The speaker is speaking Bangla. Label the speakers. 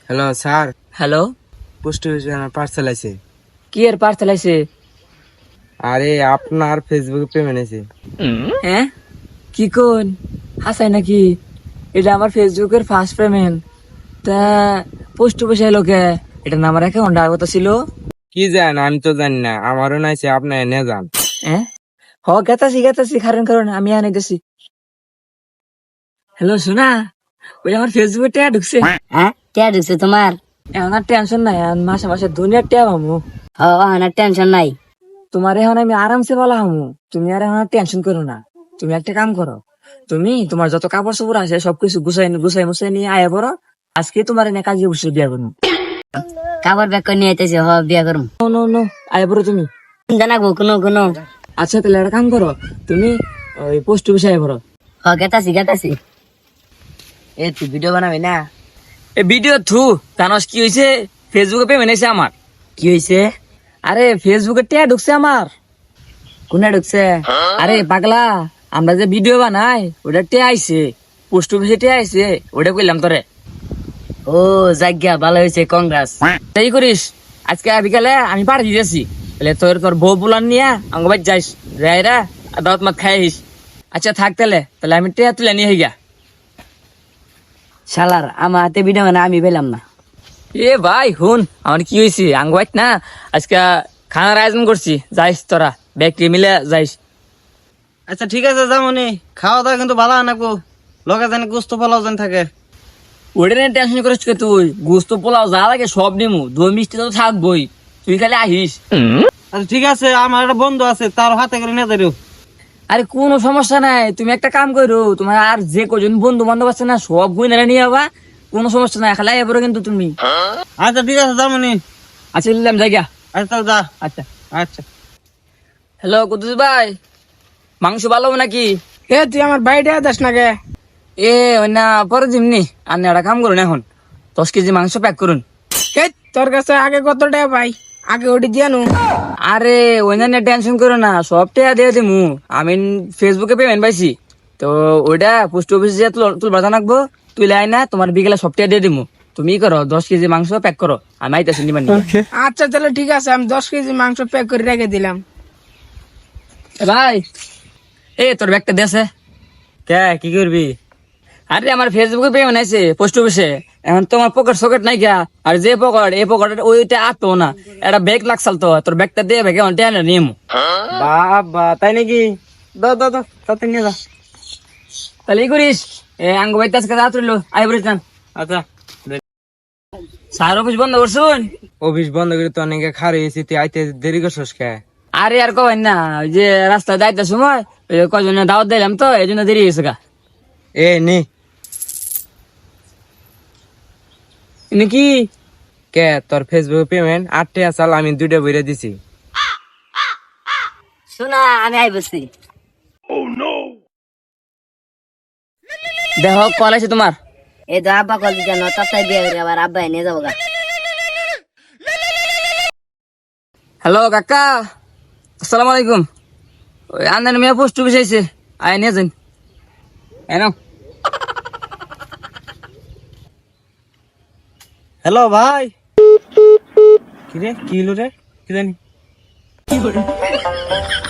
Speaker 1: হ্যালো স্যার,
Speaker 2: হ্যালো,
Speaker 1: পোস্ট অফিসে আমার পার্সেল আছে।
Speaker 2: কি এর পার্সেল আইছে?
Speaker 1: আরে আপনার ফেসবুকে পেমেন্ট আছে।
Speaker 2: হ্যাঁ, কি কোন হাসাই নাকি? এটা আমার ফেসবুকের ফার্স্ট পেমেন্ট। তা পোস্ট অফিসে এলো কে? এটা না আমার অ্যাকাউন্টে আগত ছিল।
Speaker 1: কি জান, আমি তো জানি না, আমারও নাইছে, আপনি এনে যান।
Speaker 2: হ্যাঁ, গেতাছি কারণ আমি আনাইতেছি। হ্যালো শোনা, ওই আমার ফেসবুকে টিয়া ঢুকছে।
Speaker 3: হ্যাঁ টিয়া ঢুকছে তোমার?
Speaker 2: এখন আর টেনশন নাই, এখন মাসে মাসে দুনিয়ার টিয়া পাবো।
Speaker 3: না টেনশন নাই।
Speaker 2: তোমার এখন আমি আরামসে বলা হামু, তুমি আর এখন টেনশন করো না। তুমি একটা কাম করো, তুমি তোমার যত কাপড় চোপড় আছে সবকিছু গুছাই মুছাই নিয়ে আয়া পড়ো। আজকে তোমার এনে কাজে বসে বিয়া করবো।
Speaker 3: কাপড় ব্যাগ করে নিয়ে আইতেছে, বিয়া করুম।
Speaker 2: নো আয়া পড়ো তুমি।
Speaker 3: জানাবো কোনো।
Speaker 2: আচ্ছা তাহলে একটা কাম করো, তুমি ওই পোস্ট অফিসে আয়া পড়ো।
Speaker 3: গেতাছি। এ তুই ভিডিও বানাবি না?
Speaker 2: এই ভিডিও জানোস কি হয়েছে? ফেসবুকে পেমেন্ট হয়েছে আমার।
Speaker 3: কি হয়েছে?
Speaker 2: আরে ফেসবুকে টিয়া ঢুকছে আমার।
Speaker 3: কোনে ঢুকছে?
Speaker 2: আরে পাগলা, আমরা যে ভিডিও বানাই ওটা টিয়া আইছে, পোস্ট অফিসে টিয়া আইছে, ওটা কইলাম তোরে।
Speaker 3: ও জায়গা ভালো হয়েছে, কংগ্রেস।
Speaker 2: তাই করিস, আজকে বিকালে আমি পাড়ি দিতেছি, তাহলে তোর বউ বুলান নিয়ে আমাকে বাড়ি যাইস, যাইরা দাওয়াত মাত খাইস। আচ্ছা থাক তাহলে আমি টিয়া তুলে নিয়ে গিয়া।
Speaker 3: শালার আমার হাতে ভিডিও বানা আমি পেলাম না।
Speaker 2: এ ভাই হুন, আমার কি হয়েছে আঙ্গুয়াইত না, আজকে খানার আয়োজন করছি, যাইস তোরা ব্যাগটি মিলে যাইস।
Speaker 4: আচ্ছা ঠিক আছে, যামনি। খাওয়া দাওয়া কিন্তু ভালো আনাবো, লগে জানি গোস্ত পোলাও যেন থাকে।
Speaker 2: ওটা নিয়ে টেনশন করিস কে তুই? গুস্ত পোলাও যা লাগে সব নিমু, দই মিষ্টি তো থাকবই, তুই খালি আহিস।
Speaker 4: আচ্ছা ঠিক আছে, আমার একটা বন্ধু আছে, তার হাতে করে নিয়ে যাইও।
Speaker 2: আরে কোনো সমস্যা নাই, তুমি একটা কাম করো, তোমার আর যে কজন বন্ধু বান্ধব আছে না সব গুইনারা নিয়ে যাবা, কোনো সমস্যা নাই, খালাই এবারও কিন্তু তুমি।
Speaker 4: আচ্ছা ঠিক আছে, যামনি।
Speaker 2: আচ্ছা নিলাম জায়গা।
Speaker 4: আচ্ছা তাহলে যা।
Speaker 2: আচ্ছা
Speaker 4: আচ্ছা
Speaker 2: হ্যালো কুদ্দুস ভাই, মাংস ভালো হবে নাকি?
Speaker 5: এ তুই আমার বাড়িটা দাস না গে?
Speaker 2: এ ওই না পরে জিমনি, আর একটা কাম করুন, এখন 10 কেজি মাংস প্যাক করুন।
Speaker 5: হে তোর কাছে আগে কত টাকা পাই, আগে ওটি দিয়ে নু।
Speaker 2: আরে ওই না টেনশন করো না, সব টাকা দিয়ে দিমু। আমি ফেসবুকে পেমেন্ট পাইছি, তো ওইটা পোস্ট অফিসে যে তুলবার জানাকবো, তুই লাই না, তোমার বিকেলে সব টাকা দিয়ে দিমু। তুমি করো 10 কেজি মাংস প্যাক করো, আমি আইতাছি নিবার নিয়ে।
Speaker 5: আচ্ছা তাহলে ঠিক আছে, আমি 10 কেজি মাংস প্যাক করে রেখে দিলাম।
Speaker 2: এ ভাই, তোর ব্যাগটা দেশে।
Speaker 4: কে কি করবি?
Speaker 2: আরে আমার ফেসবুকে পেমেন্ট আছে পোস্ট অফিসে, এখন তোমার পকেট সকেট নাই গা, আর যে পকেট এই পকেট ওইটা আটতো না, একটা ব্যাগ লাগছাল, তো তোর ব্যাগটা দিয়ে ব্যাগে টেনে নিমু।
Speaker 4: বাবা তাই নাকি? দাও তাতে নিয়ে যা।
Speaker 2: তাহলে ই করিস, আঙ্গ বাইতে আজকে রাত রইলো, আই বলিস না।
Speaker 4: আচ্ছা
Speaker 2: স্যার অফিস বন্ধ করছুন?
Speaker 1: অফিস বন্ধ করে তো অনেকে খারে এসে, তুই আইতে দেরি করছিস কে?
Speaker 2: আরে আর কবেন না, ওই যে রাস্তায় যাইতে সময় কজন দাওয়াত দিলাম তো, এই জন্য দেরি হয়েছে গা।
Speaker 1: এ নে।
Speaker 2: নাকি
Speaker 1: কে তোর ফেসবুক পেমেন্ট 8 টাকা চাল, আমি 2টা বইরা দিছি।
Speaker 3: শোনা আমি আই বসছি।
Speaker 2: দেখো কল আছে তোমার।
Speaker 3: এই তো আব্বা কল দিতে না, তাই বিয়ে করে আবার আব্বা নিয়ে যাবো গা।
Speaker 2: হ্যালো কাকা, আসসালামু আলাইকুম। ওই আন্দানি মেয়ে পোস্ট অফিস আইছে, আয় নিয়ে যান। এনো
Speaker 4: হ্যালো ভাই। কি রে, কি হলো রে? কি জানি।